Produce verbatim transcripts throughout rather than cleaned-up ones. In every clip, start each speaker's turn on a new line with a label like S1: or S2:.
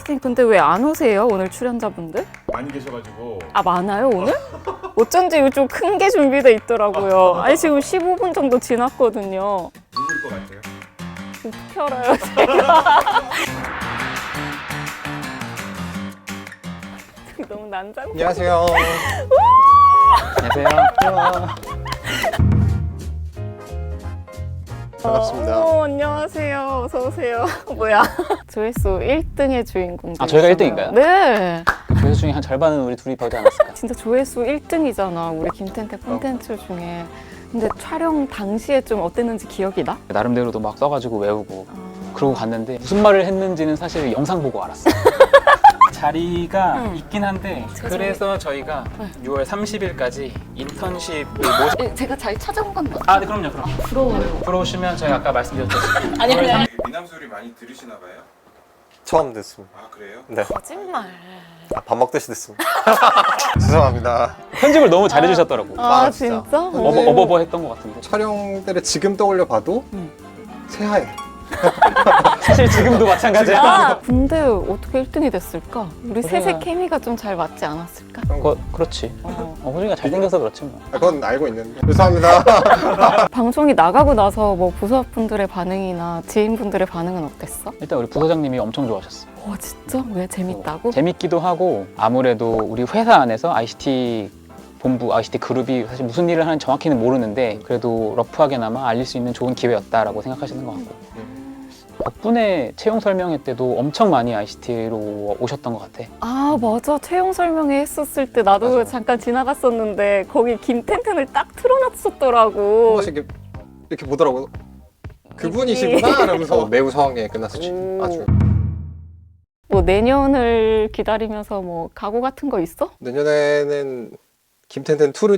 S1: 피디님 근데 왜 안 오세요? 오늘 출연자분들?
S2: 많이 계셔가지고.
S1: 아 많아요 오늘? 어쩐지 좀 큰 게 준비돼 있더라고요. 아니 지금 십오 분 정도 지났거든요.
S2: 누굴 것 같아요?
S1: 어떻게 알아요 제가? 너무 난장.
S3: 안녕하세요.
S4: 안녕하세요.
S3: 반갑습니다.
S1: 어, 안녕하세요. 어서 오세요. 뭐야? 조회수 일 등의 주인공.
S4: 아, 저희가 일 등인가요?
S1: 네.
S4: 조회수 중에 한 절반은 우리 둘이 벌지 않았을까?
S1: 진짜 조회수 일 등이잖아. 우리 김텐태 콘텐츠 중에. 근데 촬영 당시에 좀 어땠는지 기억이 나?
S4: 나름대로도 막 써가지고 외우고
S1: 아...
S4: 그러고 갔는데 무슨 말을 했는지는 사실 영상 보고 알았어. 자리가
S1: 응.
S4: 있긴 한데
S1: 죄송해요.
S4: 그래서 저희가
S1: 네.
S4: 유월 삼십일까지 인턴십을 모시...
S1: 예, 제가 잘 찾아온 건 맞아요.
S4: 아, 네, 그럼요, 그럼.
S1: 부러워요.
S4: 들어오시면 저희가 아까 말씀드렸듯이
S1: 아니 아니.
S2: 미남 소리 많이 들으시나 봐요?
S3: 처음 듣습니다.
S2: 아 그래요?
S3: 네.
S1: 거짓말.
S3: 아, 밥 먹듯이 듣습니다. 죄송합니다.
S4: 편집을 너무 잘해주셨더라고.
S1: 아,
S3: 아, 진짜?
S1: 진짜?
S3: 네.
S4: 어버, 어버버 했던 것 같은데
S3: 촬영 때를 지금 떠올려 봐도
S1: 응.
S3: 새하얘.
S4: 사실 지금도 마찬가지야.
S1: 아, 근데 어떻게 일 등이 됐을까? 우리 셋의
S4: 그래야.
S1: 케미가 좀 잘 맞지 않았을까?
S4: 거, 그렇지.
S1: 어.
S4: 어, 호중이가 잘생겨서 그렇지 뭐.
S3: 아, 그건 알고 있는데. 죄송합니다.
S1: 방송이 나가고 나서 뭐 부서분들의 반응이나 지인분들의 반응은 어땠어?
S4: 일단 우리 부서장님이 엄청 좋아하셨어.
S1: 와 진짜? 왜 재밌다고?
S4: 재밌기도 하고 아무래도 우리 회사 안에서 아이씨티 본부, 아이씨티 그룹이 사실 무슨 일을 하는지 정확히는 모르는데 그래도 러프하게나마 알릴 수 있는 좋은 기회였다라고 생각하시는 것 같고 덕분에 채용 설명회 때도 엄청 많이 아이씨티로 오셨던 것 같아.
S1: 아 맞아 채용 설명회 했었을 때 나도
S3: 맞아.
S1: 잠깐 지나갔었는데 거기 김텐텐을 딱
S3: 한
S1: 틀어놨었더라고.
S3: 번씩 이렇게, 이렇게 보더라고요. 그분이시구나 이러면서 매우 성황리에 끝났었지.
S1: 오.
S3: 아주.
S1: 뭐 내년을 기다리면서 뭐 각오 같은 거 있어?
S3: 내년에는 김텐텐 이를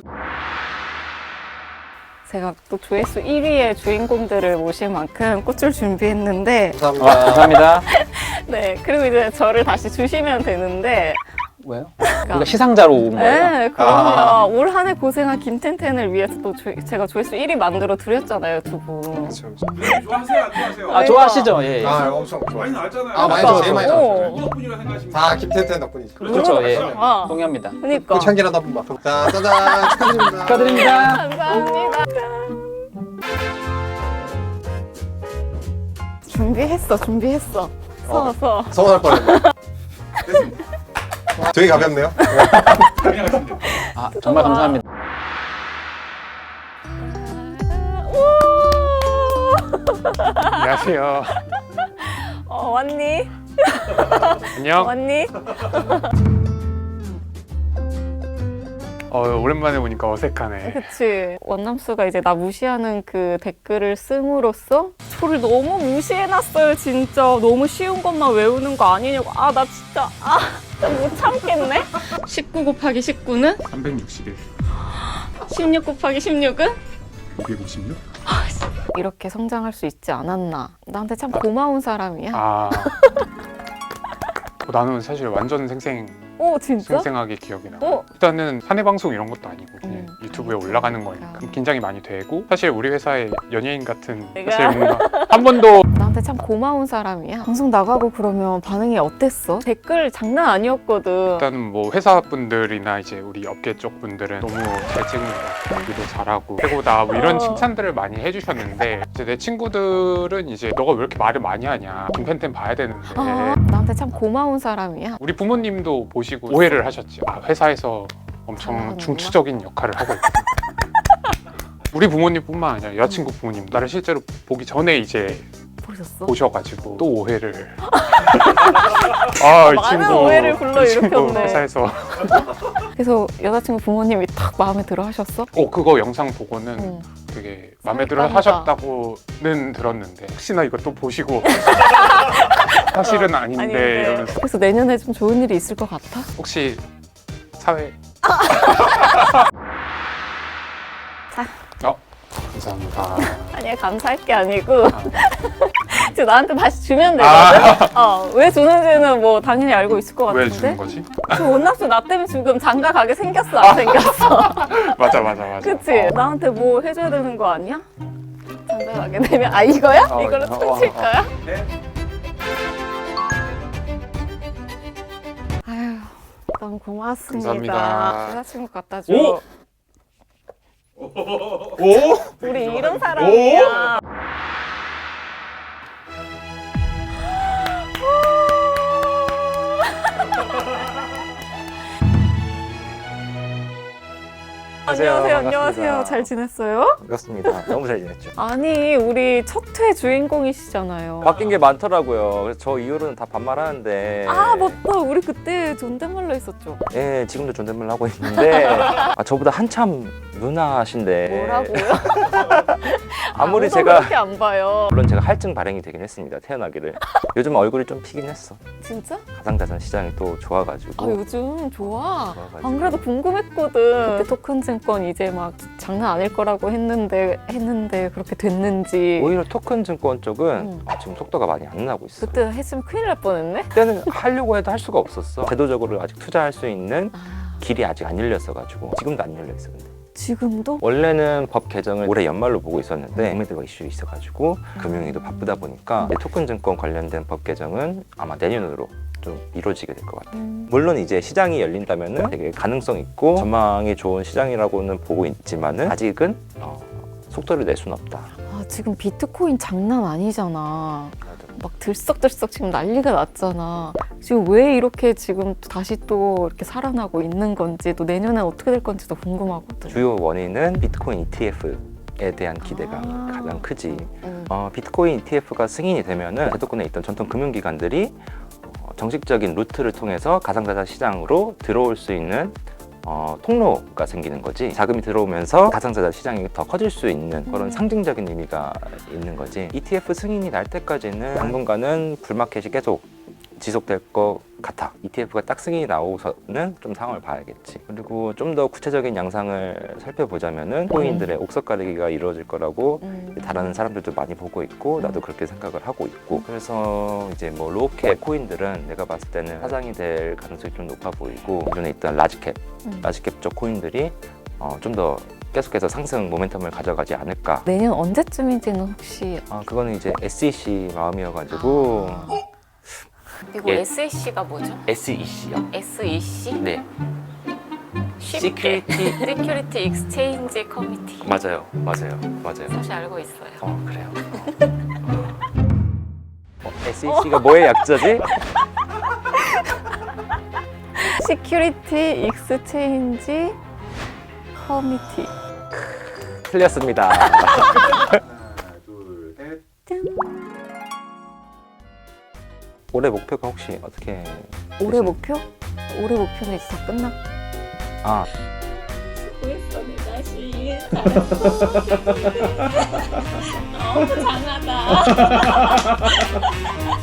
S1: 제가 또 조회수 일 위의 주인공들을 모실 만큼 꽃을 준비했는데
S3: 감사합니다.
S4: 와, 감사합니다.
S1: 네 그리고 이제 저를 다시 주시면 되는데
S4: 왜요? 우리가 시상자로 온 거예요?
S1: 네, 그럼요.
S3: 아.
S1: 올 한 해 고생한 김텐텐을 위해서 또 조, 제가 조회수 일 위 만들어 드렸잖아요, 두 분.
S3: 그렇죠.
S2: 좋아하세요 안 좋아하세요?
S4: 아, 좋아하시죠? 예.
S3: 아, 엄청
S2: 많이
S3: 좋아요.
S2: 나왔잖아요.
S3: 아, 많이
S1: 그러니까.
S3: 나왔죠. 제일 많이 나왔죠.
S1: 어.
S2: 누구 덕분이라 생각하십니까?
S3: 다 김텐텐 덕분이죠.
S4: 그렇죠, 예.
S1: 아,
S4: 동의합니다.
S1: 그니까.
S3: 참기라도 한 번만. 자, 짜잔. 축하드립니다.
S4: 축하드립니다.
S1: 감사합니다. 준비했어, 준비했어. 서,
S3: 어.
S1: 서.
S3: 서운할 뻔했네. 되게 가볍네요.
S2: 그냥 하시면 돼요.
S4: 아, 정말 감사합니다.
S5: 안녕하세요.
S1: 어, 왔니?
S5: 안녕.
S1: 왔니?
S5: 어, 오랜만에 보니까 어색하네.
S1: 그치. 원남수가 이제 나 무시하는 그 댓글을 씀으로써 저를 너무 무시해놨어요, 진짜. 너무 쉬운 것만 외우는 거 아니냐고. 아, 나 진짜, 아, 진짜 못 참겠네? 십구 곱하기 십구는?
S2: 삼백육십일,
S1: 십육 곱하기 십육은?
S2: 오백오십육.
S1: 이렇게 성장할 수 있지 않았나. 나한테 참 고마운 사람이야.
S5: 아. 어, 나는 사실 완전 생생,
S1: 오, 진짜?
S5: 생생하게 기억이 나.
S1: 어?
S5: 일단은 사내 방송 이런 것도 아니고 그냥
S1: 음.
S5: 유튜브에 올라가는 거니까
S1: 그러니까.
S5: 긴장이 많이 되고 사실 우리 회사의 연예인 같은
S1: 내가?
S5: 사실 뭔가 한 번도
S1: 나한테 참 고마운 사람이야. 방송 나가고 그러면 반응이 어땠어? 댓글 장난 아니었거든.
S5: 일단은 뭐 회사 분들이나 이제 우리 업계 쪽 분들은 너무 잘 찍는다, 여기도 잘하고 최고다 뭐 이런
S1: 어.
S5: 칭찬들을 많이 해주셨는데 이제 내 친구들은 이제 너가 왜 이렇게 말을 많이 하냐, 김텐텐 봐야 되는데
S1: 아, 나한테 참 고마운 사람이야.
S5: 우리 부모님도 보시고 오해를 하셨지. 아, 회사에서 엄청
S1: 잘하는구나.
S5: 중추적인 역할을 하고 있구나. 우리 부모님뿐만 아니라 여자친구 부모님 나를 실제로 보기 전에 이제
S1: 보셨어?
S5: 보셔가지고 또 오해를 아, 이
S1: 많은
S5: 친구,
S1: 오해를 불러
S5: 이 친구
S1: 일으켰네.
S5: 회사에서
S1: 그래서 여자친구 부모님이 딱 마음에 들어 하셨어?
S5: 어 그거 영상 보고는
S1: 응.
S5: 되게 마음에 들어
S1: 설렜다.
S5: 하셨다고는 들었는데 혹시나 이거 또 보시고 사실은 아닌데,
S1: 아닌데.
S5: 이러면서
S1: 그래서 내년에 좀 좋은 일이 있을 것 같아?
S5: 혹시 사회
S1: 자.
S5: 어 감사합니다.
S1: 아니야, 감사할 게 아니고
S5: 아,
S1: 지금 나한테 다시 주면 되거든? 어, 왜 주는지는 뭐 당연히 알고 있을 것
S5: 왜
S1: 같은데?
S5: 주는 거지?
S1: 저 원납수 나 때문에 지금 장가 가게 생겼어, 안 생겼어?
S5: 맞아 맞아 맞아.
S1: 그치? 나한테 뭐 해줘야 되는 거 아니야? 장가 가게 되면 아 이거야?
S5: 어,
S1: 이걸로
S5: 어,
S1: 춤출
S5: 어, 어.
S1: 거야?
S2: 네.
S1: 너무 고맙습니다.
S5: 감사합니다.
S1: 여자친구 갖다 줘.
S2: 오! 오?
S1: 우리 이런 사람이야. 안녕하세요, 안녕하세요. 잘 지냈어요?
S6: 반갑습니다. 너무 잘 지냈죠.
S1: 아니, 우리 첫 회 주인공이시잖아요.
S6: 바뀐 게 많더라고요. 그래서 저 이후로는 다 반말하는데.
S1: 아, 맞다. 우리 그때 존댓말로 했었죠.
S6: 예, 지금도 존댓말 하고 있는데 아, 저보다 한참 누나신데.
S1: 뭐라고요?
S6: 아무리
S1: 아무도
S6: 제가
S1: 그렇게 안 봐요.
S6: 물론 제가 할증 발행이 되긴 했습니다. 태어나기를. 요즘 얼굴이 좀 피긴 했어.
S1: 진짜?
S6: 가상자산 시장이 또 좋아가지고.
S1: 아, 요즘 좋아.
S6: 좋아가지고.
S1: 안 그래도 궁금했거든. 그때 토큰증권 이제 막 장난 아닐 거라고 했는데 했는데 그렇게 됐는지.
S6: 오히려 토큰 증권 쪽은
S1: 응.
S6: 아, 지금 속도가 많이 안 나고 있어.
S1: 그때 했으면 큰일 날 뻔했네.
S6: 그때는 하려고 해도 할 수가 없었어. 제도적으로 아직 투자할 수 있는
S1: 아,
S6: 길이 아직 안 열렸어가지고 지금도 안 열려 있어. 근데.
S1: 지금도?
S6: 원래는 법 개정을 올해 연말로 보고 있었는데 코미드가 이슈 있어가지고 금융위도 바쁘다 보니까 토큰 증권 관련된 법 개정은 아마 내년으로 좀 이루어지게 될 것 같아요.
S1: 음.
S6: 물론 이제 시장이 열린다면은 되게 가능성 있고 전망이 좋은 시장이라고는 보고 있지만은 아직은 어, 속도를 낼 수는 없다.
S1: 아, 지금 비트코인 장난 아니잖아. 막 들썩들썩 지금 난리가 났잖아. 지금 왜 이렇게 지금 다시 또 이렇게 살아나고 있는 건지, 또 내년에 어떻게 될 건지도 궁금하거든.
S6: 주요 원인은 비트코인 이티에프에 대한 기대가
S1: 아.
S6: 가장 크지.
S1: 음.
S6: 어, 비트코인 이티에프가 승인이 되면은 제도권에 있던 전통 금융기관들이 어, 정식적인 루트를 통해서 가상자산 시장으로 들어올 수 있는 어, 통로가 생기는 거지. 자금이 들어오면서 가상자산 시장이 더 커질 수 있는 그런
S1: 음.
S6: 상징적인 의미가 있는 거지. 이티에프 승인이 날 때까지는 당분간은 불마켓이 계속 지속될 것 같아. 이티에프가 딱 승인이 나오고서는 좀 상황을 봐야겠지. 그리고 좀 더 구체적인 양상을 살펴보자면은 코인들의 옥석 가리기가 이루어질 거라고
S1: 음.
S6: 다른 사람들도 많이 보고 있고 나도 그렇게 생각을 하고 있고, 그래서 이제 뭐 로우캡 코인들은 내가 봤을 때는 사장이 될 가능성이 좀 높아 보이고, 기존에 있던 라지캡
S1: 음.
S6: 라지캡 쪽 코인들이 어, 좀 더 계속해서 상승 모멘텀을 가져가지 않을까.
S1: 내년 언제쯤인지는 혹시
S6: 아, 그거는 이제 에스이씨 마음이어가지고.
S1: 아. 이거
S6: 예.
S1: 에스이씨가 뭐죠?
S6: 에스이씨요?
S1: 에스이씨?
S6: 네.
S1: 쉽게 시큐리티 익스체인지 커미티.
S6: 맞아요, 맞아요, 맞아요.
S1: 사실 알고 있어요.
S6: 어, 그래요. 어, 에스이씨가 뭐의 약자지?
S1: 시큐리티 익스체인지 커미티.
S6: 틀렸습니다.
S2: 하나, 둘, 셋.
S6: 올해 목표가 혹시 어떻게?
S1: 올해
S6: 되시나요?
S1: 목표? 올해 목표는 이제 다 끝났고.
S6: 아,
S1: 수고했어, 내 자신. 잘했어. 너무 장하다.